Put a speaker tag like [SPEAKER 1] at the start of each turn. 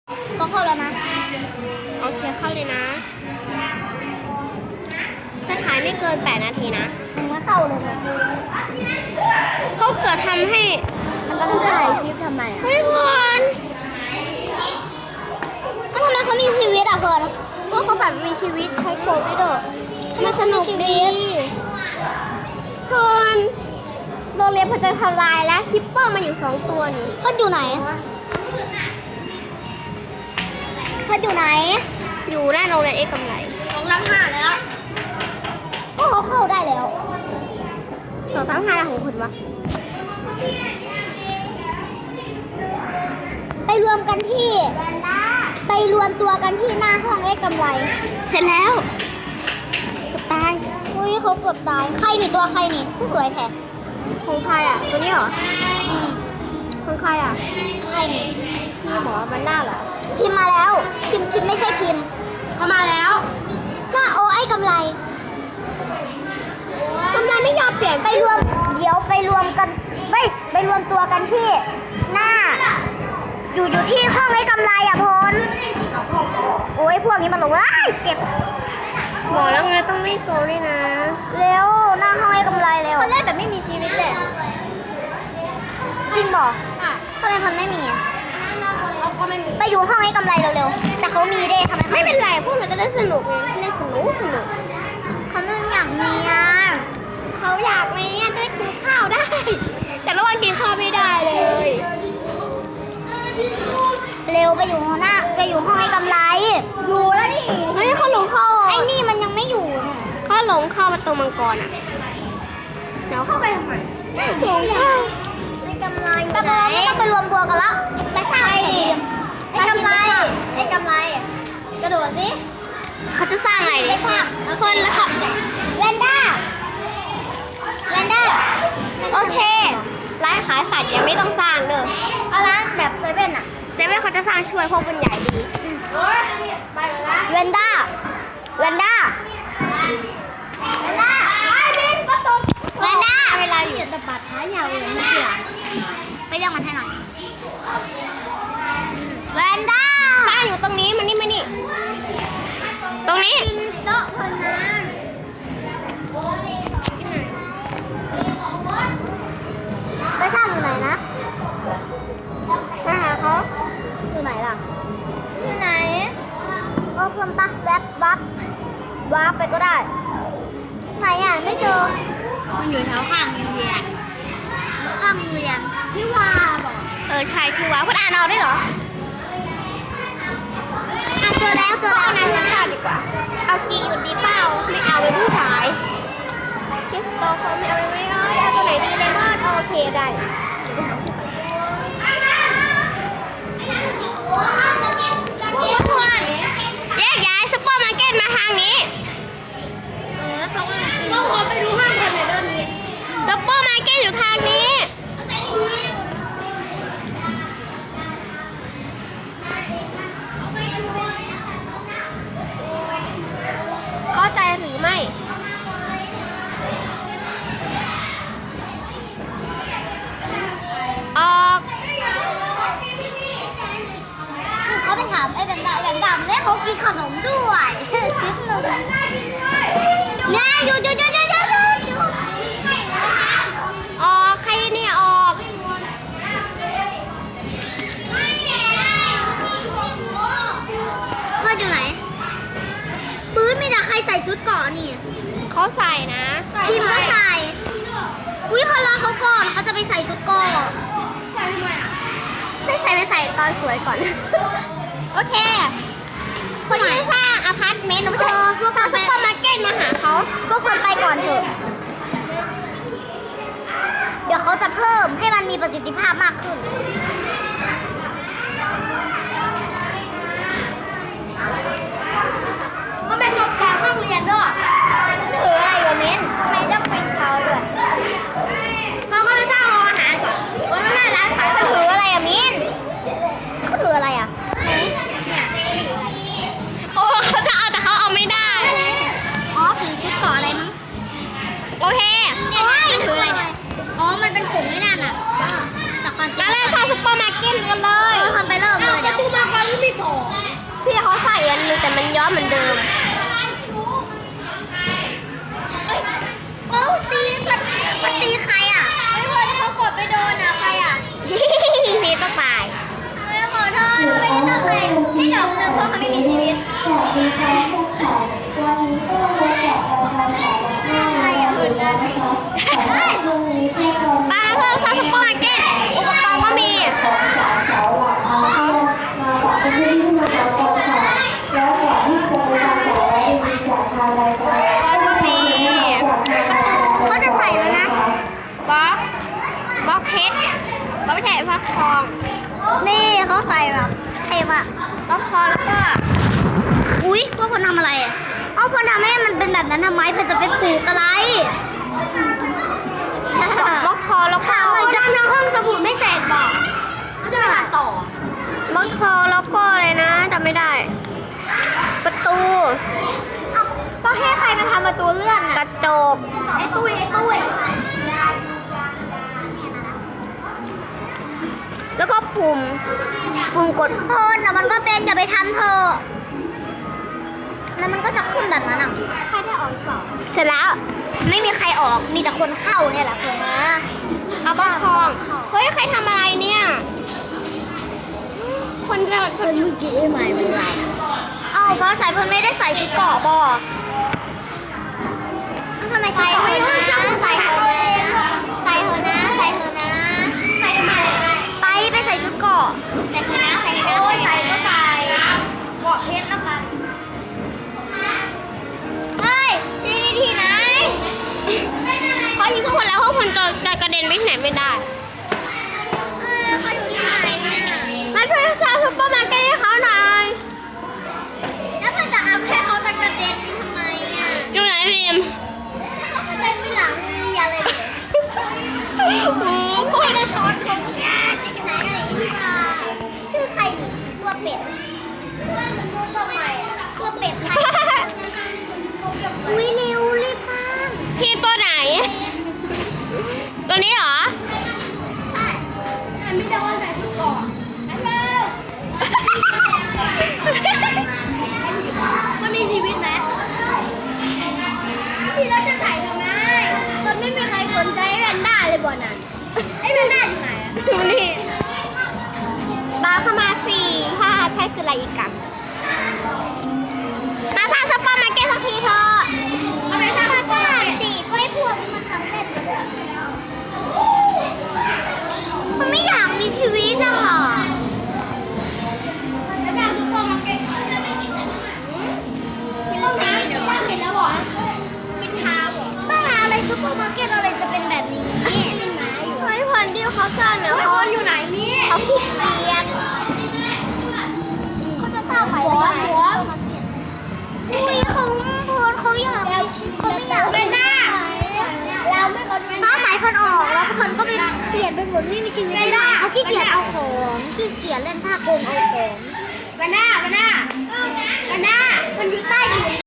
[SPEAKER 1] ก็เข้าแล้วนะ
[SPEAKER 2] โอเคเข้าเลยนะถ้าถ่ายไม่เกิน8 นาทีนะ
[SPEAKER 1] มึงไม่เข้าเลยนะ
[SPEAKER 2] เขาเกิดทำให้
[SPEAKER 1] มันก็ต้องถ่ายคลิปทำไมอ่ะ
[SPEAKER 2] เฮ้ยพร
[SPEAKER 1] ก็ทำไมเขามีชีวิตอ่ะเพิร์น
[SPEAKER 2] ก็เขาแบบมีชีวิตใช้โปรไม่เด้อมันสนุกดีพรโรงเรียนพอจะทำลายแล้วคิปเปอร์มาอยู่2 ตัวนี่
[SPEAKER 1] เพิร์นอยู่ไหนเพิร์นอยู่ไหน
[SPEAKER 2] อยู่หน้าโรงเรียนเอกกำไร
[SPEAKER 1] 2-5แล้วก็เขาเข้าได้แล้ว
[SPEAKER 2] 2-5ของคุณวะ
[SPEAKER 1] ไปรวมกันที่ไปรวมตัวกันที่หน้าห้องเอกกำไร
[SPEAKER 2] เสร็จแล้วเกือบตาย
[SPEAKER 1] อุ้ยเขาเกือบตายใครนี่ตัวใครนี่ผู้สวยแท้
[SPEAKER 2] ของใครอ่ะตัวนี้เหรอของใครอ่ะ
[SPEAKER 1] ใครนี่
[SPEAKER 2] พี่หมอมันหน้าเหรอ
[SPEAKER 1] พิมพ์มาแล้ว พิมพ์ไม่ใช่พิมพ์
[SPEAKER 2] เขามาแล้ว
[SPEAKER 1] หน้าโอไอ้กำไร
[SPEAKER 2] กำไรไม่ยอมเปลี่ยน
[SPEAKER 1] ไปรวมเดี๋ยวไปรวมกันไปรวมตัวกันที่หน้า อยู่ที่ห้องไอ้กำไรอ่ะพลโอ้ยพวกนี้มันบอกว่าเจ็บ
[SPEAKER 2] หมอแล้วไงต้องไม่โกงด้วยนะ
[SPEAKER 1] เร็วหน้าห้องไอ้กำไรเร็วเขาเล่นแบบไม่มีชีวิตเลยจริงบอกทำไมมันไม่มีอะ
[SPEAKER 2] เขาก็ไม่มี
[SPEAKER 1] ไปอยู่ห้องไอ้กำไรเร็วๆแต่เขามีเด้ทำไม
[SPEAKER 2] ไม่เป็นไรพวกเราจะได้สนุกไงเล่นสนุก
[SPEAKER 1] เขาไม่อยากมีอ่ะ
[SPEAKER 2] เขาอยากไหมจะได้กินข้าวได้ แต่ระหว่างกินข้าวไม่ได้เลย
[SPEAKER 1] เร็วไปอยู่หน้าไปอยู่ห้องไอ้กำไรอยู่แล้วนี่
[SPEAKER 2] เฮ้ยเขาหลงเข้า
[SPEAKER 1] ไอ้นี่มันยังไม่อยู่เนี่ย
[SPEAKER 2] เขาหลงเข้าประตูมังกรอ่ะเดี๋ยวเข้าไปทำไมหลงเข้า
[SPEAKER 1] ไอ้กำไรตะโกนไม่ต้องไปรวมตัวกันแล้วไปสร้างไอ้ดิไอ้กำไรไอ้กำไรกระโดดสิ
[SPEAKER 2] เขาจะสร้างอะไร
[SPEAKER 1] ไป
[SPEAKER 2] ดิ
[SPEAKER 1] สร้าง
[SPEAKER 2] คนละค่ะ
[SPEAKER 1] แวนด้าแวนด้า
[SPEAKER 2] โอเคร้านขายสัตว์ยังไม่ต้องสร้างเด้อ
[SPEAKER 1] เอาร้านแบบเซเว่นอะ
[SPEAKER 2] เซเว่นเขาจะสร้างช่วยเพราะมันใหญ่ดี
[SPEAKER 1] แวนด้าแวนด้าแวนด้าแวนด้า
[SPEAKER 2] เวลาอยู่
[SPEAKER 1] แต่บาดท้ายยาวเลยไม่เกี่ยวไปเรียกมันให้หน่อยแวนด้า
[SPEAKER 2] สร้างอยู่ตรงนี้มันนี่มานี่ ตรงนี้
[SPEAKER 1] โต๊ะพนันไปสร้างอยู่ไหนนะ
[SPEAKER 2] มาหาเขา
[SPEAKER 1] อยู่ไหนล่ะ อยู่ไหนเพิ่มปะแวบวับไปก็ได้ ไหนอ่ะไม่เจอ
[SPEAKER 2] มันอยู่แถวข้างโรงเรียน
[SPEAKER 1] ข้างโรงเรียนพี่วาบอก
[SPEAKER 2] ใช่คือว่าคุณอ่านเอาได้เหรอ
[SPEAKER 1] อ่ะเจอแล้ว
[SPEAKER 2] เอานายผู้ชายดีกว่า เอากีอยู่ดีเปล่าไม่เอาเป็นผู้ชายคริสโตเฟอร์ไม่เอาไม่ได้เอาตัวไหนดีเลมอนโอเคได้แยกย้ายซุปเปอร์มาร์เก็ตมาทางนี้
[SPEAKER 1] ก็ขอไปดูห้างกันในเรื่องนี้
[SPEAKER 2] ซุปเปอร์มาร์เก็ตอยู่ทางนี้ เข้าใจหรือไม่ ออก
[SPEAKER 1] เขาไปถามไอ้แบงค์ดำแล้วเขากินขนมด้วยชิ้นหนึ่งเนี่ยหยุด
[SPEAKER 2] ออกใครเนี่ยออก
[SPEAKER 1] เพื่อนอยู่ไหนปื้นมีแต่ใครใส่ชุดเกราะนี่
[SPEAKER 2] เขาใส่นะ
[SPEAKER 1] พิมพ์ก็ใส่อุ้ยเขารอเขาก่อนเขาจะไปใส่ชุดเกราะ
[SPEAKER 2] ไม่ใส่ตอนสวยก่อน โอเค คนที่สร้างอพาร์ตเมนต์พวกซุปเปอร์มาร์เก็ตมาหาเขา
[SPEAKER 1] พวกคนไปก่อนเถอะเดี๋ยวเขาจะเพิ่มให้มันมีประสิทธิภาพมากขึ้นมันเป็นตกแต่งห้องเรียนด้วยถืออะไรวะเม้นทำไมต้องเป็นเขาด้วย
[SPEAKER 2] เขาก็ไปสร้างโรงอาหารก่อนวันนั้นร้านขาย
[SPEAKER 1] เขาถืออะไรอะมิ้นเขาถืออะไรอะเนี่ย
[SPEAKER 2] โอ้เขาจะเอาแต่เขาเอาไม่ได้
[SPEAKER 1] อ๋อถือชุดเกราะอะไรมั้ง
[SPEAKER 2] โอเค
[SPEAKER 1] เนี่ยมันถืออะไรเนี่ยอ๋อมันเป็นผงไม่นั่นอะแต่ความจริง
[SPEAKER 2] มาเลยค่ะซุปเปอร์เหมือนเดิม
[SPEAKER 1] โอ้ตีมันตีใครอ่ะไม่พอที่เขากดไปโดนอ่ะใครอ่ะ
[SPEAKER 2] นี่ต้องตาย
[SPEAKER 1] เฮ้ยขอโทษไม่ได้ตั้งใจให้ดอกนึงเพราะเขาไม่มีชีวิต
[SPEAKER 2] ปลาเพิ่มซอสซุปเปอร์มาร์เก็ตอุปกรณ์ก็มีเขาจะใส่แล้วนะบล็อกเพชรบล็อกไม่ใช่ฟักทอง
[SPEAKER 1] นี่เขาใส่แบบเท่มาก
[SPEAKER 2] บล็อกคอแล้วก็
[SPEAKER 1] อุ๊ยพวกคนทำอะไรอ่ะเอาคนทำให้มันเป็นแบบนั้นทำไมเพื่อจะไปปลูกอะไร
[SPEAKER 2] บล็อกคอแล้วก็จะทำห้องสมุดไม่เสร็จบอกก็จะไปตัดต่อบล็อกคอแล้วก็อะไรนะจำไม่ได้ ประตู
[SPEAKER 1] ก็ให้ใครมาทำประตูเลื่อน
[SPEAKER 2] ก
[SPEAKER 1] อ่ะ
[SPEAKER 2] ระจกไอ้ตุ้ยแล้วก็ปุ่มกด
[SPEAKER 1] โคนอ่ะมันก็เป็นอย่าไปทำเธอะแล้วมันก็จะขึ้นแบบนั้นอ่ะใครได้ออกหรือเปล่า
[SPEAKER 2] เสร็จแล้ว
[SPEAKER 1] ไม่มีใครออกมีแต่คนเข้าเนี่ยแหละคนนะ
[SPEAKER 2] เอาบล็อกทองเฮ้ยใครทำอะไรเนี่ยคนเมื่อกี้ใหม่เป็นไร
[SPEAKER 1] เอาเพราะสายเพื่อนไม่ได้ใส่ชุดเกราะบอทำไมใส่เถอะนะใส่เถอะนะใส่เถอะนะใส่เถอะนะใส่ทำไมไปใส่ชุดเกราะใส่เถอะนะใส่เถอะนะโอ้ยใส่ก็ใส่เกาะเพชรแล้วกันเฮ้ยที่ไหน
[SPEAKER 2] เขายิงพวกคนแล้วพวกคนจะกระเด็นไปที่ไหนไม่ได้
[SPEAKER 1] เขาอยู่ที่ไหนเนี่ย
[SPEAKER 2] มาช่วยซอสซุปเปอร์มาร์เก็ตให้เขาหน่อย
[SPEAKER 1] แล้วมันจะเอาให้เขาตะกระเด็นทำไมอ่ะ
[SPEAKER 2] อยู่ไหนพิม
[SPEAKER 1] เขากระเด็นไม่หลังเรียเลยดิ
[SPEAKER 2] โอ้โห
[SPEAKER 1] คุณจะสอนชมงานที่ไหนอะไรนี่ค่ะชื่อใครดิตัวเป็ดตัวใหม่ตัวเป็ดใครอุ้ยเร็วรีบสร้าง
[SPEAKER 2] ทีมตัวไหน ตัวนี้เหรอ
[SPEAKER 1] ใช่ไม่ได้ว่าใส่ชุดก่อนนั่นเร็วมันมีชีวิตไหมที่เราจะใส่ทำไมมันไม่มีใครสนใจแพนด้าเลยบอลน่ะไอ้แพนด้าอยู่ไหนอะ
[SPEAKER 2] ดูนี่ตามเข้ามาสี่ถ้าใช่คืออะไรอีกกันมาสร้างซุปเปอร์มาร์เก็ตสักทีเถอะ
[SPEAKER 1] เอาไปสร้างสนามสิก็ให้พวกมันทำเล่นกันมันไม่อยากมีชีวิตอ่ะแล้วจะดูกล้องมาเก็ตมันไม่กินแต่หมาที่เรากินเดี๋ยวว่ากินแล้วเหรอกินเท้าเหรอบ้าอะไรซุปเปอร์มาร์เก็ตอะไรจะเป็นแบบนี้เป็นไม้อยู่
[SPEAKER 2] เฮ้ยพันที่เขาสร้างเนี่ยเขาอยู่ไหนนี่เขาขี้เกียจ
[SPEAKER 1] เขาจะสร้างใหม่ไม่ได้อุ้ยเขาโพนเขาอยากเขาไม่อยากเป็นหน้าเราไม่เขาสายคนออกแล้วคนก็ไปเปลี่ยนเป็นหมดไม่มีชีวิตใช่ไหมเขาขี้เกียจเอาของขี้เกียจเล่นท่าโกงเอาของ
[SPEAKER 2] วันหน้ามันอยู่ใต้ดิน